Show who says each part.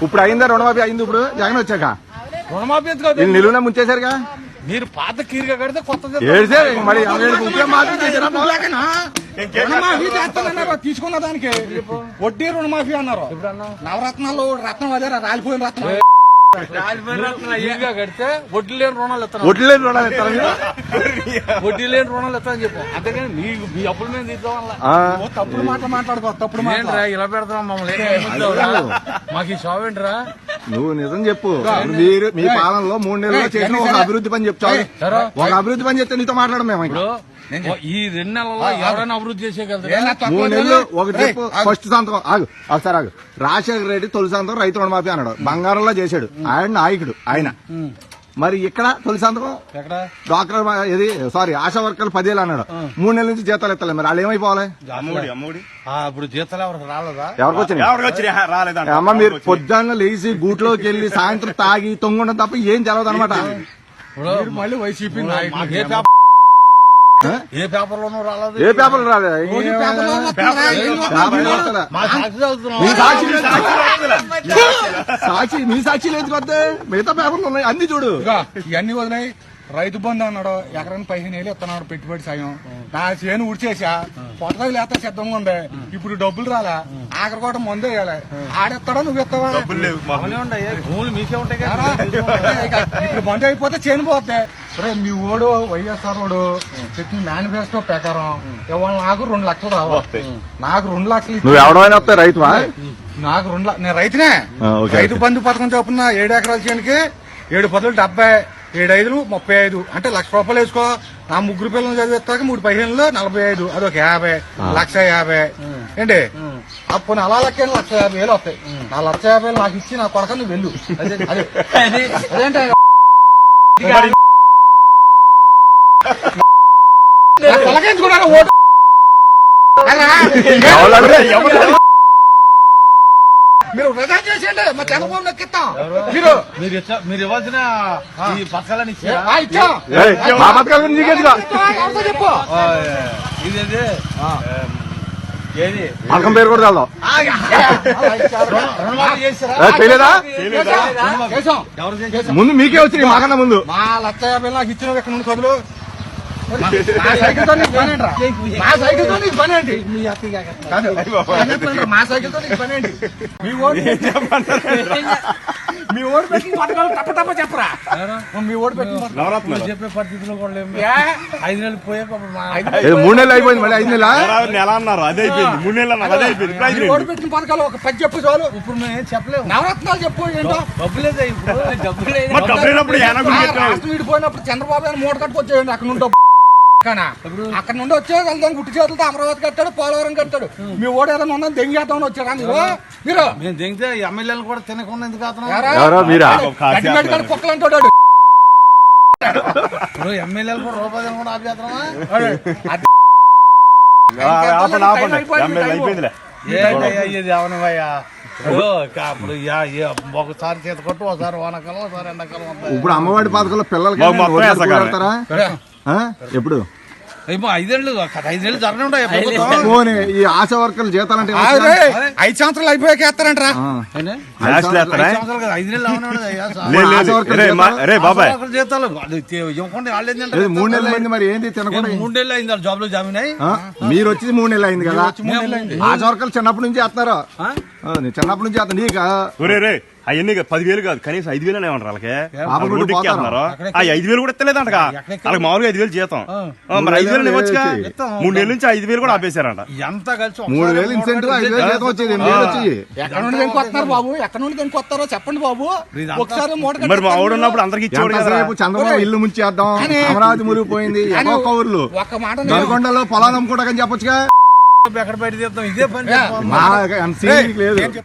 Speaker 1: ఇప్పుడు అయిందా రుణమాఫీ అయింది ఇప్పుడు జగన్ వచ్చాక
Speaker 2: రుణమాఫీ ఎందుకు
Speaker 1: నిలువున ముంచేశారుగా
Speaker 2: మీరు పాత కీరుగా కడితే కొత్త
Speaker 1: మరి
Speaker 3: రుణమాఫీ చేస్తానన్నారు తీసుకున్న దానికి వడ్డీ రుణమాఫీ అన్నారు నవరత్నాలు రత్నం అదే రాలిపోయిన రత్నం
Speaker 2: కడితే వడ్డీ లేని రుణాలు ఇస్తాను
Speaker 1: వడ్డీ లేని రుణాలు ఇస్తారా
Speaker 2: వడ్డీ లేని రుణాలు ఇస్తానని చెప్పు అంతేగాని మీ అప్పుల మీద తీసుకోవాలా
Speaker 3: తప్పుడు మాటలు మాట్లాడుకో తప్పుడు
Speaker 2: ఏంట్రా ఇలా పెడతాం మమ్మల్ని మాకు ఈ షాప్ ఏంట్రా
Speaker 1: నువ్వు నిజం చెప్పు మీరు మీ పాలనలో 3 నెలల్లో చేసిన ఒక అభివృద్ధి పని చెప్తావు ఒక అభివృద్ధి పని చెప్తే నీతో మాట్లాడడం మేము
Speaker 2: ఇప్పుడు ఈ 2 నెలల్లో ఎవరైనా అభివృద్ధి చేసేయగలరు
Speaker 1: 3 నెలలు ఒకటి చెప్పు ఫస్ట్ సంతకం ఆగు ఒకసారి ఆగు రాజశేఖర రెడ్డి తొలి సంతకం రైతు రుణమాఫీ అన్నాడు బంగారంలో చేశాడు ఆయన నాయకుడు ఆయన మరి ఇక్కడ తొలి సంతకం డాక్టర్ ఇది సారీ ఆశా వర్కర్లు 10 ఏళ్ళు అన్నాడు 3 నెలల నుంచి జీతాలు ఎత్తలేదు మరి వాళ్ళు ఏమైపోవాలి
Speaker 2: ఇప్పుడు జీతాలు ఎవరికి రాలేదా
Speaker 1: ఎవరికి అమ్మ మీరు పొద్దున్న లేచి గూట్లోకి వెళ్లి సాయంత్రం తాగి తొంగుండం తప్ప ఏం తెలవదు అనమాట
Speaker 3: మళ్ళీ వైసీపీ
Speaker 2: ఏ పేపర్ లోనూ రాలేదు
Speaker 1: ఏ పేపర్లు రాలేదు సాక్షి మీ సాక్షి లేదు కొద్ది మిగతా పేపర్లు ఉన్నాయి అన్ని చూడు
Speaker 3: ఇవన్నీ వదినాయి రైతు బంధు అన్నాడు ఎకరానికి 15 ఏళ్ళు ఇస్తున్నాడు పెట్టుబడి సాయం నా చేను ఉడిచేసా పొట్టగది లేత సిద్ధంగా ఉంది ఇప్పుడు డబ్బులు రాలా ఆఖరి కూడా మందు వేయాలి ఆడెత్తాడో నువ్వు ఎత్తావా
Speaker 2: భూములు మీకే ఉంటాయి
Speaker 3: ఇప్పుడు మందు అయిపోతే చేను పోతే మీ ఓడు వైఎస్ఆర్ ఓడు చెప్పిన మేనిఫెస్టో ప్రకారం ఇవాళ నాకు 2 లక్షలు రావాలి నాకు 2 లక్షలు
Speaker 1: నువ్వు ఎవడైనా వస్తే రైతువా
Speaker 3: నాకు 2 లక్షలు నేను రైతునే రైతు బంధు పథకం చొప్పున 7 ఎకరాల చేనుకి 7 పదులు 70 7 5 35 అంటే ₹1,00,000 వేసుకో నా 3 పిల్లలు చదివిస్తాక 3 15 45 అదొక 50 1,50,000 ఏంటి అప్పుడు అలా లెక్క 1,50,000 వస్తాయి నా 1,50,000 నాకు ఇచ్చి నా కొడక నువ్వు వెళ్ళు అదేంటే ఓటు మీరు వృధా చేసేయండి మా చంద్రబాబు నొక్కిస్తాం
Speaker 2: మీరు ఇవ్వాల్సిన ఈ పథకాలని
Speaker 3: చెప్పు
Speaker 2: ఇదేది ఏది
Speaker 1: పథకం పేరు కూడా వెళ్దాం చేయలేదా ముందు మీకే వచ్చింది మాకన్నా ముందు
Speaker 3: మా 1,50,000 నాకు ఇచ్చిన ఎక్కడ నుండి కదులు మా సైకిల్ తో నీకు పని ఏంట్రా మా సైకిల్ తో నీకు పని ఏంటి మా సైకిల్ తో నీకు పని ఏంటి మీ ఓటు పెట్టిన పథకాలు తప్ప చెప్పరా మీ ఓటు పెట్టిన
Speaker 2: చెప్పే పరిస్థితిలో కూడా 5 నెలలు పోయాక
Speaker 1: 3 నెలలు అయిపోయింది మళ్ళీ 5 నెల
Speaker 4: అన్నారు అదే అయిపోయింది 3 నెలలు అదే అయిపోయింది
Speaker 3: ఓటు పెట్టిన పథకాలు ఒక 10 చెప్పు చాలు
Speaker 2: ఇప్పుడు మేము చెప్పలేము
Speaker 3: నవరత్నాలు చెప్పు ఏంటో
Speaker 2: డబ్బులేదా ఇప్పుడు
Speaker 4: డబ్బులేనప్పుడు
Speaker 3: రాష్ట్రం విడిపోయినప్పుడు చంద్రబాబు గారు మూట కట్టుకొచ్చేయండి అక్కడ నుండి అక్కడ నుండి వచ్చే గుట్టి చేతులతో అమరావతి కట్టాడు పోలవరం కట్టాడు మీ ఓడు ఏదైనా ఉన్నా దెంగేద్దామని వచ్చారా మీరు
Speaker 2: మేము దిగితే ఎమ్మెల్యేలు కూడా తినకుండా ఎందుకు
Speaker 3: కుక్కలు అంటాడు
Speaker 2: ఇప్పుడు ఎమ్మెల్యేలు కూడా రూపాయలు కూడా ఆపేస్తున్నామా అయ్యేది అవనవయ్యా అప్పుడు ఒకసారి చేత కొట్టు ఒకసారి వానకాలం ఒకసారి ఎండాకాలం
Speaker 1: ఇప్పుడు అమ్మఒడి పథకంలో పిల్లలకి ఎప్పుడు
Speaker 2: 5 ఏళ్ళు జరగనే ఉంటాయి
Speaker 1: ఈ ఆశా వర్కర్లు జీతాలంటే
Speaker 3: 5 సంవత్సరాలు అయిపోయాక వేస్తారంటరా
Speaker 2: 5 నెలలు జీతాలు ఇవ్వకుండా
Speaker 1: 3 నెలలు అయింది మరి ఏంటి తినకుండా
Speaker 2: 3 నెలలు అయింది జాబ్ లో జాయిన్ అయ్యి
Speaker 1: మీరు వచ్చి 3 నెలలు అయింది కదా ఆశా వర్కర్లు చిన్నప్పటి నుంచి వేస్తున్నారు చిన్నప్పటి నుంచి వేస్తాను నీకు
Speaker 4: అవన్నీ 10,000 కాదు కనీసం 5,000 ఏమంటారు వాళ్ళకి అన్నారు ఆ 5,000 కూడా ఎత్తలేదంట వాళ్ళకి మామూలుగా 5,000 జీతం మరి 5,000 ఇవ్వచ్చుగా 3 నెలల నుంచి 5,000 కూడా ఆపేశారంట
Speaker 2: ఎంత కలిసి
Speaker 1: 3,000 ఇన్సెంటివ్ 5,000 జీతం వచ్చేది
Speaker 3: ఎక్కడ నుండి వస్తారు బాబు ఎక్కడ నుండి వస్తారో చెప్పండి బాబు ఒకసారి
Speaker 4: మరి మా ఆవిడ ఉన్నప్పుడు అందరికి ఇచ్చేవాడు
Speaker 1: చంద్రబాబు ఇల్లు ముంచేద్దాం అమరావతి మురిగిపోయింది కౌరులు నల్గొండలో పొలాలు అమ్ముకోవడం చెప్పొచ్చుగా
Speaker 2: ఎక్కడ బయట తీద్దాం ఇదే పని
Speaker 1: లేదు